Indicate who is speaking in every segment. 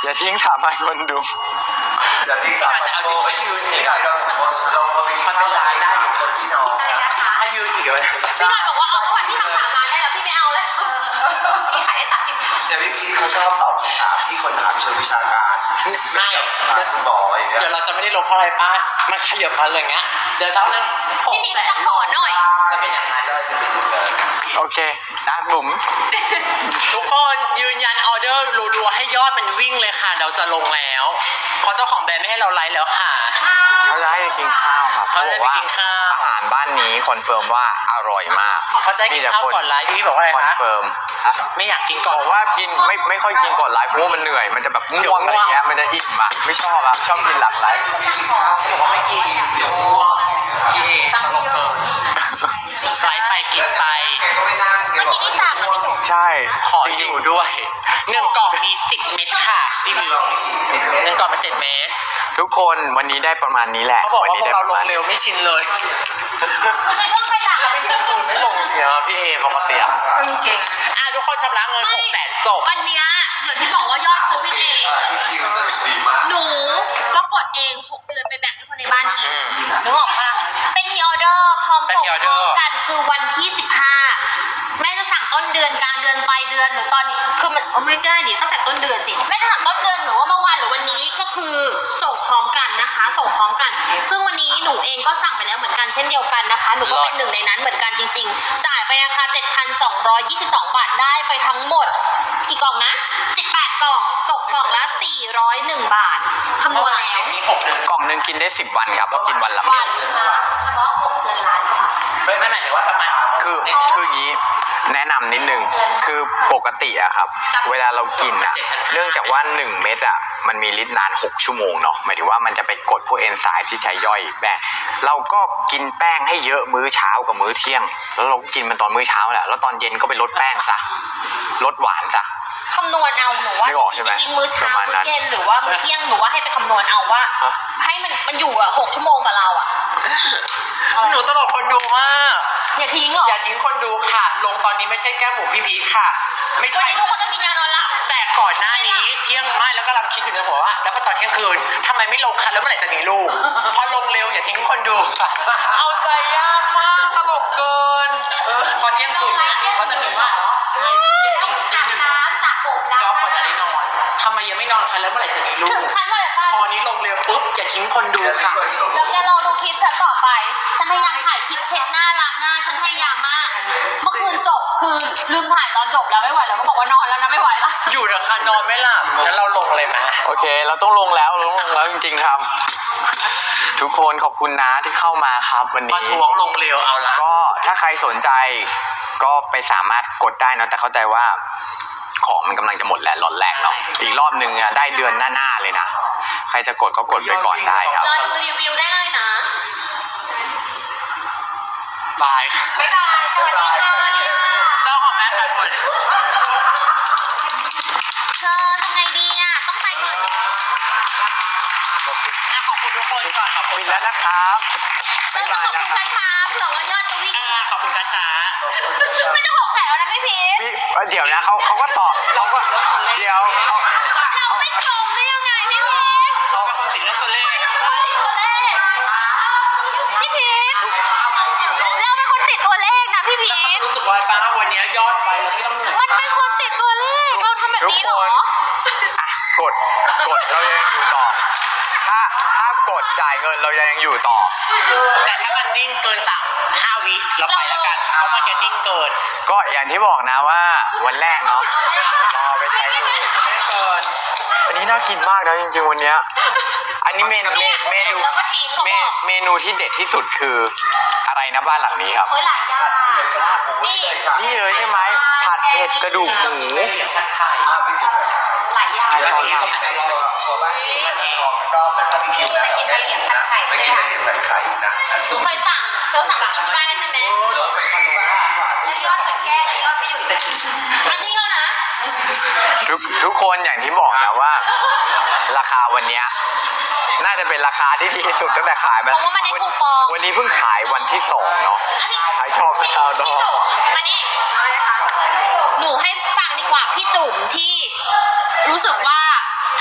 Speaker 1: อย่าทิ้งถามให้คนดู
Speaker 2: อย่าทิ้งถามให้คนดูนี่หน่อยเราคนเรามันเป็นลายได้อยู่คนที่น้องถ้ายืนอีกเลย
Speaker 3: พี่หน่อยบอกว่าเอาประวัติที่ทำ3 ล้านได้แล้วพี่ไม่เอาเลยพี่ขายได้30
Speaker 2: เดี๋ยวพี่พีเขาชอบตอบคำถามที่คนถามเชิงวิชาการ
Speaker 4: ไม่
Speaker 2: คุณหมออะไรเงี้ย
Speaker 4: เดี๋ยวเราจะไม่ได้ลบเพราะอะไรป้ามันขยับมาเลยเงี้ยเดี๋ยวเช้านั้น
Speaker 3: พี่พีจะขอหน่อย
Speaker 4: จะเป็นอย่างนั้น
Speaker 1: โอเคนะบุ๋ม
Speaker 4: ทุกคนยืนยันออเดอร์รัวๆให้ยอดมันวิ่งเลยค่ะเราจะลงแล้วเพราะเจ้าของแบรนด์ไม่ให้เราไลฟ์แล้วค่ะ
Speaker 1: เขาจะให้ไปกินข้าวครับ
Speaker 4: เขาจะไปกินข้าว
Speaker 1: อาหารบ้านนี้คอนเฟิร์มว่าอร่อยมาก
Speaker 4: เขาจะกินข้าวก่อนไลฟ์พี่บอกว่าอะไรคะ
Speaker 1: คอนเฟิร์ม
Speaker 4: ไม่อยากกินก่อน
Speaker 1: บอกว่ากินไม่ค่อยกินก่อนไลฟ์เพราะว่ามันเหนื่อยมันจะแบบง่วงอะไรเงี้ยมันจะอิ่มอ่ะไม่ชอบอ่ะชอบกินหลังไลฟ์
Speaker 4: บอกว่าไม่กินเดี๋ยวง่วงกินตลกเกินไลฟ์ไปกินไป
Speaker 3: เมื่อกี้ที่สั่งมันไม่จบ
Speaker 1: ใช่
Speaker 4: ขออยู่ด้วย1 กล่องมี10 เม็ดค่ะพี่พี1 กล่องเป็น10 เม็ด
Speaker 1: ทุกคนวันนี้ได้ประมาณนี้แหละ
Speaker 4: เขาบอกว่าพวกเราลงเร็วไม่ชินเลย
Speaker 3: ไม่ต้องไปสั่งอะไร
Speaker 4: ไม่ลงเสียพี่เอปกติอ่ะทุกคนชำระเงิน600,000จบ
Speaker 3: วันนี้เดี๋ยวที่บอกว่ายอดเขาวิ่งเองหนูก็กดเอง6 เดือนไปแบ่งให้คนในบ้านกินนึกออกปะเป็นมีออเดอร์พร้อมส่งพร้อมกันคือวันที่15แม่จะสั่งต้นเดือนกลางเดือนปลายเดือนหรือตอนนี้คือมันไม่ได้ดิตั้งแต่ต้นเดือนสิแม่จะสั่งต้นเดือนหรือว่าเมื่อวานหรือวันนี้ก็คือส่งพร้อมกันนะคะส่งพร้อมกันซึ่งวันนี้หนูเองก็สั่งไปแล้วเหมือนกันเช่นเดียวกันนะคะหนูก็เป็น1 ในนั้นเหมือนกันจริงๆจ่ายไปราคา 7,222 บาทได้ไปทั้งหมดกี่กล่องนะ18 กล่องตกกล่องละ401 บาทคำนวณแล้ว
Speaker 1: กล่องนึงกินได้10 วันครับเพราะกินวันละเม็ด
Speaker 3: เฉพาะ6 เดือนล้าน
Speaker 4: ไม่หมายถึงว่าทำไม
Speaker 1: คืออย่างนี้แนะนำนิดนึงคือปกติอะครับเวลาเรากินอะเนื่องจากว่า1 เม็ดอะมันมีฤทธิ์นาน6 ชั่วโมงเนาะหมายถึงว่ามันจะไปกดพวกเอนไซม์ที่ใช้ย่อยแป้งเราก็กินแป้งให้เยอะมื้อเช้ากับมื้อเที่ยงแล้วเรากินมันตอนมื้อเช้าแหละแล้วตอนเย็นก็ไปลดแป้งซะลดหวานซะ
Speaker 3: คำนวณเอาหนูว่าจะกินมื้อเช้ามื้อเย็นหรือว่ามื้อเที่ยงหนูว่าให้ไปคำนวณเอาว่าให้มันอยู่อะ6 ชั่วโมงกับเราอะ
Speaker 4: หนูตลกคนดูมาก
Speaker 3: อย่าทิ้งหรอ
Speaker 4: อย่าทิ้งคนดูค่ะลงตอนนี้ไม่ใช่แก้หมูพี่พีค่ะไม่ใช่
Speaker 3: ทุกคนต้องกินยานอนหลับ
Speaker 4: แต่ก่อนหน้านี้เที่ยงไม่แล้วก็กำลังคิดอยู่ในหัวว่าแล้วพอตอนเที่ยงคืนทำไมไม่ลงคันแล้วเมื่อไหร่จะมีลูกพอลงเร็วอย่าทิ้งคนดูเอาใจยากมากตลกเกินพอเที่ยงคืนก็จะมีว่าใช่
Speaker 3: อาบน้ำสระผมล้าง
Speaker 4: ก็พอจะได้นอนทำไมยังไม่นอนคันแล้วเมื่อไหร่จะมีลูก
Speaker 3: ถึงคันเลยป่ะ
Speaker 4: พอนี้ลงเร็วปุ๊บอย่าทิ้งคนดูค่ะ
Speaker 3: แล้วแกรอดูคลิปฉันต่อไปฉันพยายามถ่ายคลิปเช็ดหน้าล้างหน้าฉันพยายามมากเมื่อคืนจบคือลืมถ่ายตอนจบแล้วไม่ไหวแล้วก็บอกว่านอนแล้วนะไม่ไหวแล้ว
Speaker 4: อยู่เถอะค่ะนอนไม่หลับแล้วเราลงเลยไหม
Speaker 1: โอเคเราต้องลงแล้วจริงๆครับทุกคนขอบคุณนะที่เข้ามาครับวันนี้
Speaker 4: มาทวงลงเร็วเอาละ
Speaker 1: ก็ถ้าใครสนใจก็ไปสามารถกดได้นะแต่เข้าใจว่าของมันกำลังจะหมดแล้วล็อตแรกเนาะอีกรอบนึงอะได้เดือนหน้าเลยนะใครจะกดก็กดไปก่อนได้ครับ
Speaker 3: รอดูรีวิวได้เลยนะ
Speaker 4: บาย
Speaker 3: บ๊ายบายสวัสดีค่ะ
Speaker 4: เจ้าของแม่ใครหมด
Speaker 3: เธอทำไงดีอะต้องไปก่อน
Speaker 4: ขอบคุณทุกคนก่อนขอบคุณ
Speaker 1: แล้วนะครับ
Speaker 3: ต้องขอบคุณช้าๆเผื่อว่ายอดจะวิ่ง
Speaker 4: ขอบคุณช้า
Speaker 3: ๆไม่จะ600,000แล้วนะพี่พีท
Speaker 1: เดี๋ยวนะเขาก็ต่อเขาก็เดี๋ยว
Speaker 3: เราไม่ตรงได้ยังไงพี่พีท
Speaker 4: เขาเป็นคนติดเรื่องตัวเลข
Speaker 3: พี่พีทเราเป็นคนติดตัวเลขนะพี่พีท
Speaker 4: รู้สึกว่าป้าวันนี้ยอดไปแล้วที่ต้อง
Speaker 3: มันเป็นคนติดตัวเลขเราทำแบบนี้เหรอก
Speaker 1: ดเรายังอยู่ต่อถ้ากดจ่ายเงินเรายังอยู่ต่อ
Speaker 4: แต่ถ้ามันนิ่งเกิน5 วิเราไปแล้วกันเพราะมันจะนิ่งเกิน
Speaker 1: ก็อย่างที่บอกนะว่าวันแรกเนาะรอไปใช้ดูอันนี้น่ากินมากนะจริงๆวันนี้อันนี้เมนูที่เด็ดที่สุดคืออะไรนะบ้านหลังนี้ครับ
Speaker 3: หลายอย่าง
Speaker 1: นี่เลยใช่ไหมผัดเผ็ดกระดูกหมู
Speaker 3: หลายอย่าง
Speaker 2: แล้วที่เราตัวบ้านที่มันทองรอบนะครับพี่คิวนะไปกินไปเหรียญผัดไข่ใช่ไหมผัดไข่นะ
Speaker 3: หนูเคยสั่งเราสั่งกินได้ใช่ไหม
Speaker 2: เราไปทำบ้านที่บ้าน
Speaker 3: แล้วยอดเหมือนแก้แล้วยอดไม่อยู่อันนี้ก็นะ
Speaker 1: ทุกคนอย่างที่บอกนะว่าราคาวันนี้น่าจะเป็นราคาที่ดีที่สุดตั้งแต่ขายมาวันนี้เพิ่งขายวันที่2เนาะขายชอบนะครั
Speaker 3: บพี่จุ๋มมานี่หนูให้ฟังดีกว่าพี่จุ๋มที่รู้สึกว่าทำไม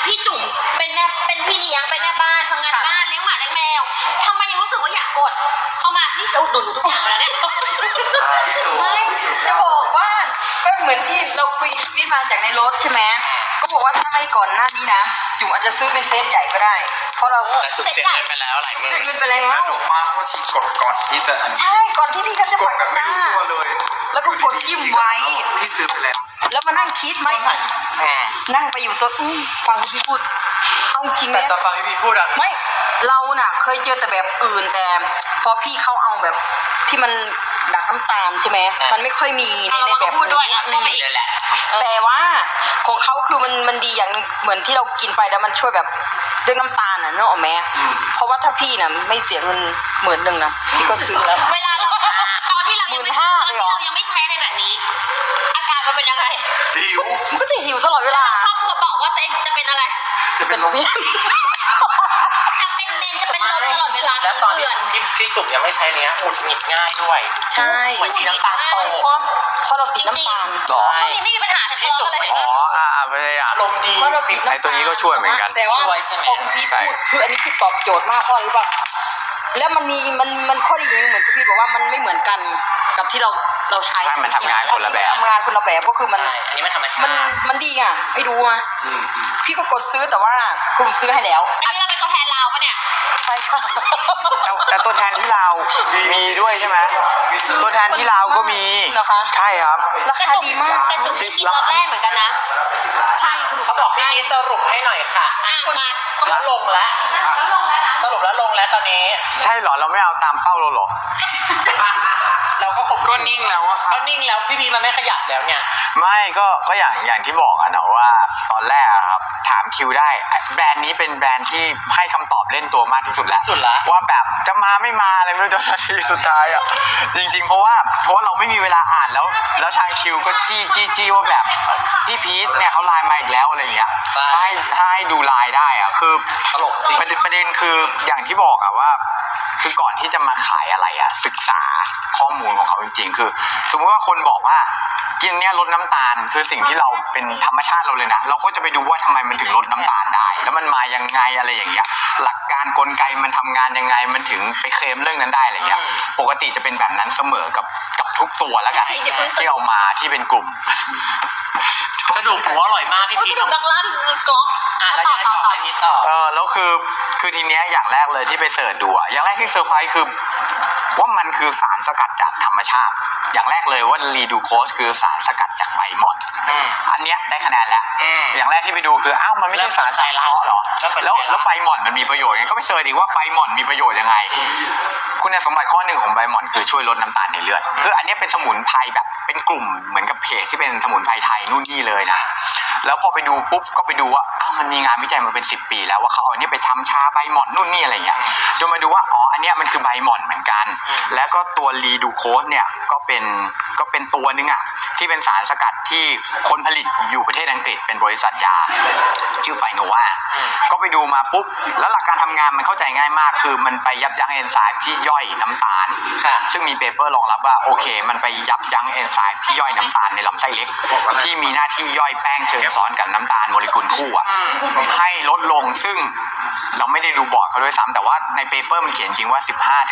Speaker 3: พี่จุ๋มเป็นแม่เป็นพี่เลี้ยงเป็นแม่บ้านทำงานบ้านเลี้ยงหมาเลี้ยงแมวทำไมยังรู้สึกว่าอยากกดเข้ามานี่จะอุดหนุนหนูทุกอย่างแล้วเนี่ย
Speaker 5: ไม่จะบอกว่าก็เหมือนที่เราคุยวิมาจากในรถใช่ไหมก็บอกว่าถ้าไม่ก่อนหน้านี้นะจุ๋มอาจจะซื้อเป็นเซตใหญ่ก็ได้ เพราะเรา
Speaker 4: แต่จุกเสียเงินไปแล้วหลายหมื่
Speaker 5: เสีย
Speaker 4: น
Speaker 5: เงินไปแล้ว
Speaker 2: แล้วหนูมาเพราะชีกดก่อนที่จะอันนี้
Speaker 5: ใช่ก่อนที่พี่เขาจะ
Speaker 2: กดแบบไม่รู้ตัวเลย
Speaker 5: แล้วก็กดจิ้มไว้
Speaker 2: พี่ซื้อไปแล้ว
Speaker 5: แล้วมานั่งคิดไม่นั่งไปอยู่ตัวฟังพี่พูดเอาจริงไหม
Speaker 4: แต่ตอนฟังพี่พูดอะ
Speaker 5: ไม่เราน่ะเคยเจอแต่แบบอื่นแต่พอพี่เขาเอาแบบที่มันดักน้ำตาลใช่ไหมมันไม่ค่อยมีในแบบ
Speaker 3: พูดด้วย
Speaker 5: นี้
Speaker 3: เข้าไปอีก
Speaker 4: เลยแหละ
Speaker 5: แต่ว่าของเขาคือมันดีอย่างหนึงเหมือนที่เรากินไปแล้วมันช่วยแบบเรื่องน้ำตาลน่ะเนกอะแม่เพราะว่าถ้าพี่น่ะไม่เสียเงิน10,000นะพี่ก็ซื้อแล้ว
Speaker 3: เวลาเราตอนที่เรายังไม่ตอนที่เรายังไม่ใช้อะไรแบบนี้ อาการมันเป็นยังไง
Speaker 2: หิว
Speaker 5: มันก็จะหิวตลอดเวลา
Speaker 3: ชอบบอกว่าตัวเองจะเป็นอะไร
Speaker 2: จะเป็นลม
Speaker 3: จะเป็นเมนจะเป็นลมตลอดเวลา
Speaker 4: แล้วตอนที่
Speaker 3: เดือน
Speaker 4: พี่จุกยังไม่ใช้เนี้ยหงุดหงิดง่ายด้วย
Speaker 5: ใช่
Speaker 4: เหมือนชีน้ำตาลโต
Speaker 5: เพราะเราติดน้ำตาล
Speaker 1: หรอ
Speaker 3: ช่วงนี้ไม่มีปัญหาทะเลาะกันเลยเห็น
Speaker 1: อ๋
Speaker 3: ไห
Speaker 1: อ
Speaker 3: ม
Speaker 1: ไม่ได้อ่ะ
Speaker 4: อารมณ์ดี
Speaker 5: เพราะเราติดน้ำตาล
Speaker 1: ไอ้ตัวนี้ก็ช่วยเหมือนกัน
Speaker 5: แต่ว่า
Speaker 4: ช่วยใช่ไหม
Speaker 5: พอคุณพีทพูดคืออันนี้คือตอบโจทย์มากเพราะอะไรรู้ป่ะแล้วมันมีมันข้อดีอย่างหนึงเหมือนคุณพีทบอกว่ามันไม่เหมือนกันกับที่เราใช้
Speaker 1: ใช่มันทำงานคนละแบบ
Speaker 5: ทำงานคนละแบบก็คือมัน
Speaker 4: ใช่อันนี้มันธรรมชา
Speaker 5: มัน
Speaker 4: ติ
Speaker 5: มันดีอ่ะไม่รู้อ่ะพี่ก็กดซื้อแต่ว่าคุณซื้อให้แล้ว
Speaker 3: อันนี้เราเป็นตัวแทนเราปะเนี่ย
Speaker 5: ใช่ค่ะ
Speaker 1: แต่ตัวแทนที่เรามีด้วยใช่ไหมตัวแทนที่เราก็มี
Speaker 5: เหรอคะ
Speaker 1: ใช่ครับ
Speaker 5: ราคาดีมาก
Speaker 3: แต่จุ๊บไม่กินรอบแรกเหมือนกันนะ
Speaker 5: ใช่คุณ
Speaker 4: เขาบอกพี่สรุปให้หน่อยค่ะ
Speaker 3: อ่ะมา
Speaker 4: แล้วลงแล้ว
Speaker 3: แล้วลงแล้วนะ
Speaker 4: สรุปแล้วลงแล้วตอนนี้
Speaker 1: ใช่เหรอเราไม่เอาตามเป้าเราเหรอ
Speaker 4: เราก็คง
Speaker 1: ก็นิ่งแล้วอะครับ
Speaker 4: ก็นิ่งแล้วพี่พีมันไม่ขยับแล้วเนี่ย
Speaker 1: ไม่ก็อย่างที่บอกอะนะว่าตอนแรกอะครับถามคิวได้แบรนด์นี้เป็นแบรนด์ที่ให้คำตอบเล่นตัวมากที่สุดแล้ว
Speaker 4: สุดละ
Speaker 1: ว่าแบบจะมาไม่มาอะไรไม่รู้จนนาทีสุดท้ายอะจริงๆเพราะว่าเราไม่มีเวลาอ่านแล้วทางคิวก็จี้ว่าแบบพี่พีทเนี่ยเขาไลน์มาอีกแล้วอะไรอย่างเงี้ยถ้าให้ดูไลน์ได้อะคือ
Speaker 4: ตลกจริง
Speaker 1: ประเด็นคืออย่างที่บอกอะว่า คือก่อนที่จะมาขายอะไรอะศึกษาข้อมูลของเขาจริงๆคือสมมติว่าคนบอกว่ากินเนี่ยลดน้ำตาลคือสิ่งที่เราเป็นธรรมชาติเราเลยนะเราก็จะไปดูว่าทำไมมันถึงลดน้ำตาลได้ แล้วมันมายังไงอะไรอย่างเงี้ยหลักการกลไกมันทำงานยังไงมันถึงไปเคลมเรื่องนั้นได้อะไรเงี้ยปกติจะเป็นแบบนั้นเสมอกับทุกตัวแล้วกันที่เอามาที่เป็นกลุ่ม
Speaker 4: กระดูกหมูอร่อยมากพี่
Speaker 3: โอ้ย
Speaker 4: พี
Speaker 3: กระดูกดังลั่นก๊อก
Speaker 4: แล้วยังไงต่อพี่พีต่อ
Speaker 1: แล้วคือทีเนี้ยอย่างแรกเลยที่ไปเสิร์ชดูอะอย่างแรกที่เซอร์ไพรส์คือว่ามันคือสารสกัดจากธรรมชาติ อย่างแรกเลยว่ารีดูโคสคือสารสกัดจากใบหม่อนอันเนี้ยได้คะแนนแล้ว อย่างแรกที่ไปดูคืออ้าวมันไม่ใช่สารสังเคราะห์หรอแล้วใบหม่อนมันมีประโยชน์ไงก็ไปเสิร์ชอีกว่าใบหม่อนมีประโยชน์ยังไง คุณสมบัติข้อหนึ่งของใบหม่อนคือช่วยลดน้ำตาลในเลือดคืออันนี้เป็นสมุนไพรแบบเป็นกลุ่มเหมือนกับเพจที่เป็นสมุนไพรไทยนู่นนี่เลยนะแล้วพอไปดูปุ๊บก็ไปดูว่าอ้าวมันมีงานวิจัยมาเป็น10 ปีแล้วว่าเขาเอาอันนี้ไปทำชาใบหม่อนนู่นนี่อะไรเงี้ยจนมาดูว่าอ๋ออันเนี้ยมันคือใบหม่อนเหมือนกันแล้วก็ตัวรีดูโคสเนี่ยก็เป็นตัวนึงอ่ะที่เป็นสารสกัดที่คนผลิตอยู่ประเทศอังกฤษเป็นบริษัทยาชื่อไฟโนวาก็ไปดูมาปุ๊บแล้วหลักการทำงานมันเข้าใจง่ายมากคือมันไปยับยั้งเอนไซม์ที่ย่อยน้ำตาลซึ่งมีเปเปอร์รองรับว่าโอเคมันไปยับยั้งเอนไซม์ที่ย่อยน้ำตาลในลำไส้เล็กที่มีหน้าที่ย่อยแป้งเชิญซ้อนกับน้ำตาลโมเลกุลคู่อ่ะให้ลดลงซึ่งเราไม่ได้ดูบอร์ดเขาด้วยซ้ำแต่ว่าในเปเปอร์มันเขียนจริงว่า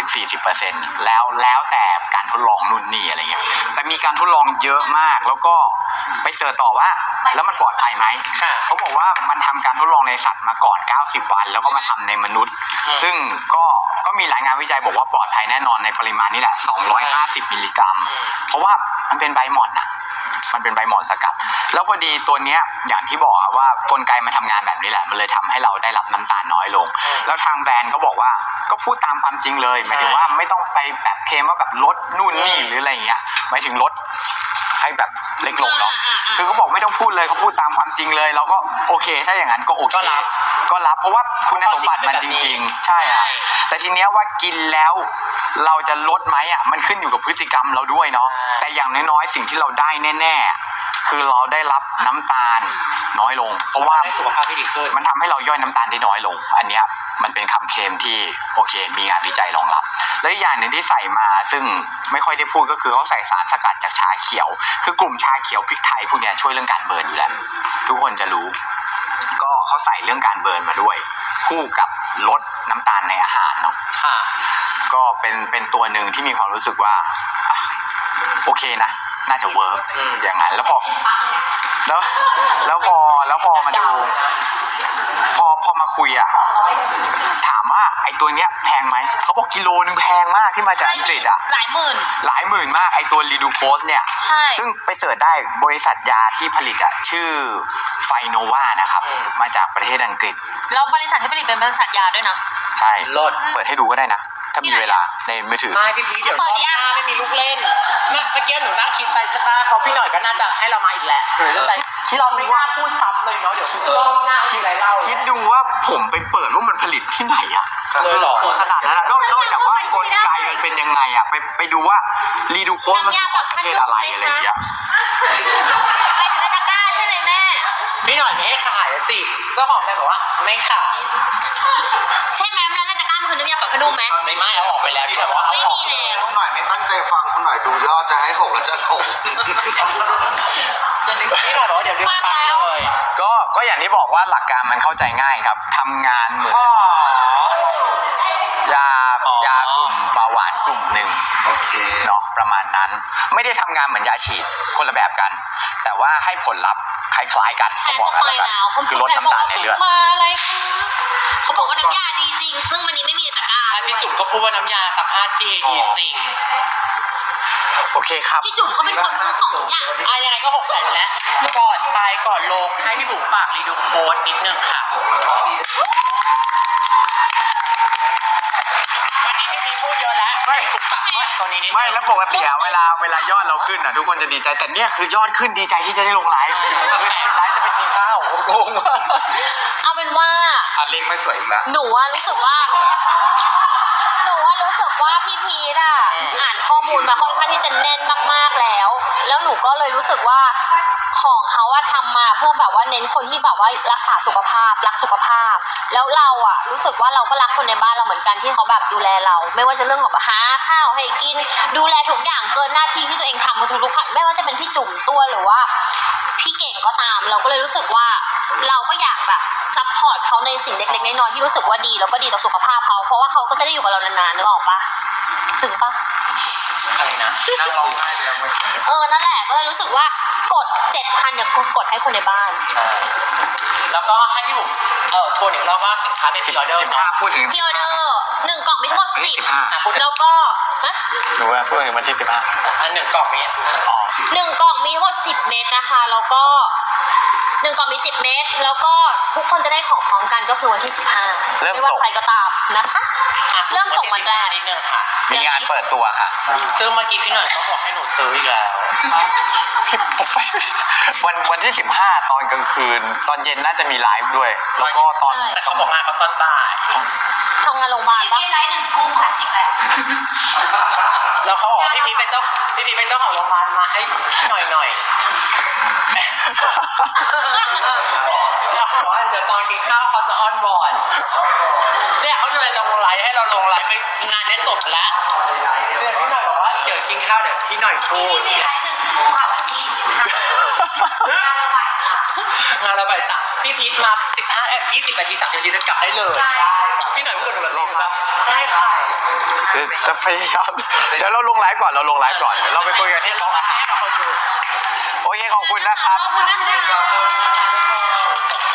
Speaker 1: 15-40% แล้วแต่การทดลองนู่นนี่อะไรเงี้ยแต่มีการทดลองเยอะมากแล้วก็ไปเสิร์ชต่อว่าแล้วมันปลอดภัยไหมเขาบอกว่ามันทำการทดลองในสัตว์มาก่อน90 วันแล้วก็มาทำในมนุษย์ซึ่งก็มีรายงานวิจัยบอกว่าปลอดภัยแน่นอนในปริมาณนี้แหละ250 มิลลิกรัมเพราะว่ามันเป็นใบหม่อนนะมันเป็นใบหม่อนสกัดแล้วพอดีตัวเนี้ยอย่างที่บอกว่ากลไกมันทำงานแบบนี้แหละมันเลยทำให้เราได้รับน้ำตาลน้อยลงแล้วทางแบรนด์ก็บอกว่าก็พูดตามความจริงเลยหมายถึงว่าไม่ต้องไปแบบเคลมว่าแบบลดนู่นนี่หรืออะไรอย่างเงี้ยหมายถึงลดให้แบบเล็กลงเนาะคือเขาบอกไม่ต้องพูดเลยเขาพูดตามความจริงเลยเราก็โอเคถ้าอย่างนั้นก็โอเคก็รับเพราะว่าคุณสมบัติมันจริงๆใช่อ่ะแต่ทีเนี้ยว่ากินแล้วเราจะลดไหมอ่ะมันขึ้นอยู่กับพฤติกรรมเราด้วยเนาะแต่อย่างน้อยๆสิ่งที่เราได้แน่ๆคือเราได้รับน้ำตาลน้อยลงเพราะว่า
Speaker 4: ได้สุขภาพที่ดีขึ้น
Speaker 1: มันทำให้เราย่อยน้ำตาลได้น้อยลงอันเนี้ยมันเป็นคำเคลมที่โอเคมีงานวิจัยรองรับและอีกอย่างหนึ่งที่ใส่มาซึ่งไม่ค่อยได้พูดก็คือเขาใส่สารสกัดจากชาเขียวคือกลุ่มชาเขียวพริกไทยพวกเนี้ยช่วยเรื่องการเบิร์นอยู่แล้วทุกคนจะรู้ก็เขาใส่เรื่องการเบิร์นมาด้วย คู่กับลดน้ำตาลในอาหารเนาะ
Speaker 4: ค่ะ
Speaker 1: ก็เป็นตัวหนึ่งที่มีความรู้สึกว่าอ่ะโอเคนะน่าจะเวิร์กอย่างนั้นแล้วพอมาดูพอมาคุยอ่ะถามว่าไอ้ตัวเนี้ยแพงไหมเขาบอกกิโลนึงแพงมากที่มาจากอังกฤษอ่ะ
Speaker 3: หลายหมื่น
Speaker 1: หลายหมื่นมากไอ้ตัวรีดูโพสเนี่ย
Speaker 3: ใช่
Speaker 1: ซึ่งไปเสิร์ชได้บริษัทยาที่ผลิตอ่ะชื่อไฟโนวานะครับมาจากประเทศอังกฤษ
Speaker 3: แล้วบริษัทที่ผลิตเป็นบริษัทยาด้วยนะ
Speaker 1: ใช่
Speaker 4: ลด
Speaker 1: เปิดให้ดูก็ได้นะ ถ้ามีเวลาในมือถือ
Speaker 4: ไม่พี่พีชเดี๋ยวรอบหน้าไม่มีลูกเล่นเมื่อกี้หนูนั่งคิดไปใช่ปะเพราะพี่หน่อยก็น่าจะให้เรามาอีกแหละหนูจะใจเราไม่กล้าพูดซ้ำเลยเนาะเดี๋ยวรอบหน้ามีอะไรเล่า
Speaker 1: คิดดูว่าผมไปเปิดว่ามันผลิตที่ไหนอะ
Speaker 4: เลยเหรอ
Speaker 1: ขนาดนั้นอะนอกจากว่ากลไกมันเป็นยังไงอะไปดูว่ารีดูโคสมันคือของประเทศอะไรอะไรอย่างเงี้ย
Speaker 3: ไปถึงในตะกร้าใช่ไหมแม่
Speaker 4: พี่หน่อยมีให้ขายสิเจ้าของแบรนด์บอกว่าไม่ขาย
Speaker 3: ใช่ไหมแล้วในตะกร้ามันคือน้ำยาปรับผ้านุ่มไหม
Speaker 4: ไม่เอาออกไปแล้วพี่หน่อยบอกว่าเอา
Speaker 3: ไม่
Speaker 4: ออก
Speaker 3: มีแล้ว
Speaker 2: คุณหน่อยไม่ตั้งใจฟังคุณหน่อยดูยอดจะให้หกแล้วจะหก
Speaker 4: พี่หน่อยบอกว่าเดี๋ยวดึงไปเลย
Speaker 1: ก็อย่างที่บอกว่าหลักการมันเข้าใจง่ายครับทำงานเหมือนยากลุ่มเบาหวานกลุ่มหนึ่ง
Speaker 2: โอเค
Speaker 1: เนาะประมาณนั้นไม่ได้ทำงานเหมือนยาฉีดคนละแบบกัน แต่ว่าให้ผลลัพธ์คล้ายๆกัน
Speaker 3: แท
Speaker 1: เขา
Speaker 3: น
Speaker 1: บอก
Speaker 3: จะ
Speaker 1: กัน
Speaker 3: ไป
Speaker 1: แล้วกัน
Speaker 3: แล้ว
Speaker 1: คือลดน้ำตาลในเลือด
Speaker 3: มาอะไรคะเขาบอกว่าน้ำยาดีจริง ซึ่งวันนี้ไม่มีในตะกร้า
Speaker 4: ใช่พี่จุ๋มก็พูดว่าน้ำยาซักผ้าดีจริง
Speaker 1: โอเคครับ
Speaker 3: พี่จุ๋มเขาเป็นคนซื้อของทุกอย่าง
Speaker 4: ยังไงก็600,000แล้วก่อนไปก่อนลงให้พี่บุ๋มฝากรีดูโค้ดนิดนึงค่ะ
Speaker 2: หกแล้วก็มี
Speaker 4: วันนี้พี่พูดเยอะแล้วไม่ฝากตัวนี้นิด
Speaker 1: ไม่แล้วปกติอะเวลายอดเราขึ้นอะทุกคนจะดีใจแต่เนี่ยคือยอดขึ้นดีใจที่จะได้ลงไลฟ์ไลฟ์จะไปกินข้าวงงมาก
Speaker 3: เอาเป็นว่า
Speaker 1: เลขไม่สวยอีกแล้ว
Speaker 3: หนูว่ารู้สึกว่าพี่พีทอ่ะอ่านข้อมูลมาค่อนข้างที่จะแน่นมากๆแล้ว แล้วหนูก็เลยรู้สึกว่าของเขาว่าทำมาเพื่อแบบว่าเน้นคนที่แบบว่ารักษาสุขภาพรักสุขภาพ แล้วเราอ่ะรู้สึกว่าเราก็รักคนในบ้านเราเหมือนกันที่เขาแบบดูแลเรา ไม่ว่าจะเรื่องของหาข้าวให้กินดูแลทุกอย่างเกินหน้าที่ที่ตัวเองทำมาทุกๆครั้งไม่ว่าจะเป็นพี่จุ๋มตัวหรือว่าพี่เก่งก็ตามเราก็เลยรู้สึกว่าเราก็อยากแบบซัพพอร์ตเขาในสิ่งเล็กๆน้อยๆที่รู้สึกว่าดีแล้วก็ดีต่อสุขภาพเขาเพราะว่าเขาก็จะได้อยู่กับเรานานๆนึกออกปะซึ้งปะ
Speaker 4: อะไรนะนั่งร้องไห้ไปแล้ว
Speaker 3: นั่นแหละก็เลยรู้สึกว่ากด 7,000เนี่ยกดให้คนในบ้าน
Speaker 4: แล้วก็ให้พี่บุ๋มทวนอีกรอบว่าสินค้าเป็นออเดอร์
Speaker 1: 15พูดถึง
Speaker 3: พี่ออเดอร์1กล่องมีทั้งหมด
Speaker 1: 15
Speaker 3: 10แล้วก็ฮะ
Speaker 1: หนูว่าพูดถึงวันที่15
Speaker 4: อัน1 กล่องมี
Speaker 1: อ๋อ
Speaker 3: 1กล่องมีทั้งหมด10 เม็ดนะคะแล้วก็1กล่องมี10 เม็ดแล้วก็ทุกคนจะได้ของพร้อมกันก็คือวันที่15ไม่ว่าใครก็ตามนะคะเริ่มส่งวันแรก
Speaker 4: นิดนึงค่ะ
Speaker 1: มีงานเปิดตัวค่ะ
Speaker 4: ซึ่งเมื่อกี้พี่หน่อยก็บอกให้หนูซื้ออีกแล้ว
Speaker 1: ผมไปวันที่15ตอนกลางคืน ตอนเย็นน่าจะมีไลฟ์ด้วย แล้วก็ตอน
Speaker 4: แต่เขาบอกมาเขาตอนบ่าย
Speaker 3: ทำงานโรงพยาบาลปะ
Speaker 6: ไลฟ์1 ทุ่มค่ะชิคแล้ว
Speaker 4: แล้วเขาบอกว่าพี่พีเป็นเจ้าของโรงพยาบาลมาให้หน่อยแล้วเขาบอกว่าเดี๋ยวตอนกินข้าวเขาจะออนบอร์ดเนี่ยเขาเลยลงไลฟ์ให้เราลงไลฟ์ไปงานนี้จบแล้วเดี๋ยวพี่หน่อยบอกว่าเดี๋ยวกินข้าวเดี๋ยวพี่หน่อยพูด
Speaker 6: พี่ไลฟ์1 ทุ่มค่ะวันที่15งานระบายสาม
Speaker 4: งานระบายสามพี่พีทมา20 นาที30 นาทีจะกลับได้เลยพี่หน่อยพูดกับหนูแบบนี้ครับใช่ค่ะ
Speaker 1: จะพยายามเดี๋ยวเราลงไลฟ์ก่อนเดี๋ยวเราไปคุยกันที่โต๊ะอาหารโอเคขอบคุณนะครับ
Speaker 3: ขอบคุณนะคะ